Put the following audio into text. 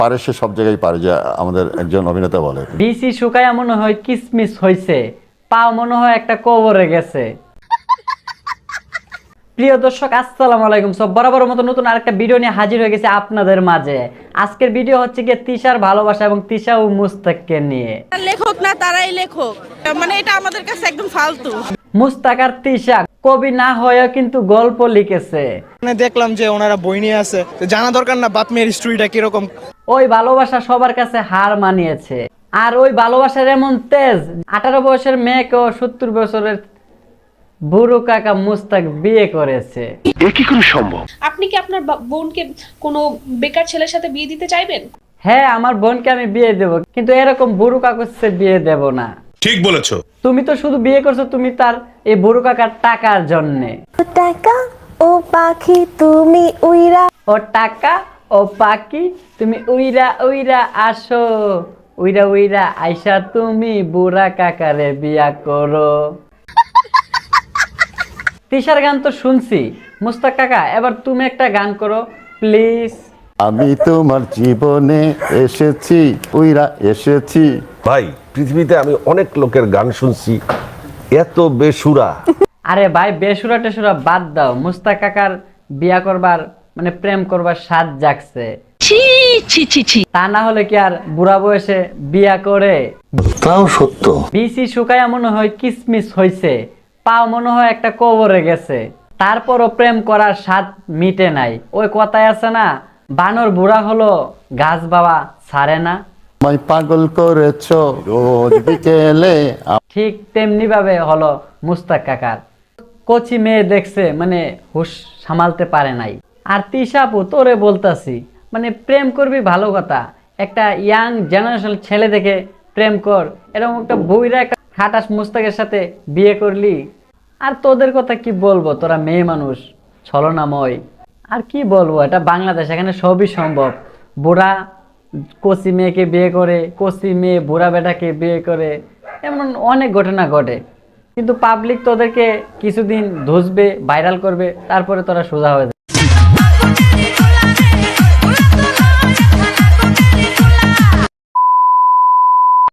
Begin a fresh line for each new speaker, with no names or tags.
পারে সে সব জায়গায় পারে, যে আমাদের একজন অভিনেতা বলে।
বিসি শুকায়া মনে হয় কিসমিস হইছে, পা মনে হয় একটা কবরে গেছে। প্রিয় দর্শক আসসালামু আলাইকুম। সব বরাবর মতো নতুন আরেকটা ভিডিও নিয়ে হাজির হয়ে গেছে আপনাদের মাঝে। আজকের ভিডিও হচ্ছে গিয়ে তিশার ভালোবাসা এবং তিশা ও মুস্তাককে নিয়ে।
লেখক না তারাই লেখক, মানে এটা আমাদের কাছে একদম ফালতু।
মুস্তাক আর তিশা কবি না হয়েও কিন্তু গল্প লিখেছে।
মানে দেখলাম যে ওনারা বই নিয়ে আছে, তো জানা দরকার না বাপ মেয়ের স্টোরিটা কিরকম।
ওই ভালোবাসা সবার কাছে হার মানিয়েছে। আর ওই ভালোবাসার এমন তেজ, 18 বয়সের মেয়েকেও 70 বছরের বুড়ো কাকা মুস্তাক বিয়ে করেছে।
আপনি কি আপনার বোনকে কোনো বেকার ছেলের সাথে বিয়ে দিতে চাইবেন?
হ্যাঁ, আমার বোনকে আমি বিয়ে দেব, কিন্তু এরকম বুড়ো কাকুর সাথে বিয়ে দেব না।
ঠিক বলেছো।
তুমি তো শুধু বিয়ে করছো তুমি তার এই বুড়ো কাকার টাকার জন্যে।
টাকা ও পাখি তুমি উইরা,
ও টাকা ও পাখি তুমি উইরা উইরা আসো, উইরা উইরা আইসা তুমি বুড়া কাকারে বিয়া করো। তিশার গান তো শুনছি, মুস্তাক কাকা এবার তুমি একটা গান করো প্লিজ।
আমি তোমার জীবনে এসেছি, উইরা এসেছি।
ভাই, পৃথিবীতে আমি অনেক লোকের গান শুনছি, এত বেসুরা।
আরে ভাই, বেসুরা টেসুরা বাদ দাও, মুস্তাক কাকার বিয়া করবার মানে প্রেম করবার স্বাদ জাগছে। তা না হলে কি আর বুড়া বয়সে বিয়া করে?
তাও সত্য।
বিসি শুকায়া মনে হয় কিসমিস হইছে, পাও মনে হয় একটা কবরে গেছে, তারপরও প্রেম করার স্বাদ মিটে নাই। ওই কথায় আছে না, বানর বুড়া হলো গাছ বাবা ছাড়ে না।
আমায় পাগল করেছো রোজ বিকেলে।
ঠিক তেমনি ভাবে হলো মুস্তাক কাকার। কচি মেয়ে দেখছে মানে হুশ সামালতে পারে নাই। আর তিশাপু তোরে বলতাছি, মানে প্রেম করবি ভালো কথা, একটা ইয়াং জেনারেশন ছেলে দেখে প্রেম কর। এরকম একটা বইরা একটা খাটাস মুস্তাকের সাথে বিয়ে করলি। আর তোদের কথা কি বলবো, তোরা মেয়ে মানুষ ছলনাময়। আর কি বলবো, এটা বাংলাদেশ, এখানে সবই সম্ভব। বুড়া কচি মেয়েকে বিয়ে করে, কচি মেয়ে বুড়া বেটাকে বিয়ে করে, এমন অনেক ঘটনা ঘটে। কিন্তু পাবলিক তোদেরকে কিছুদিন ধুসবে, ভাইরাল করবে, তারপরে তোরা সোজা হয়ে যাবে।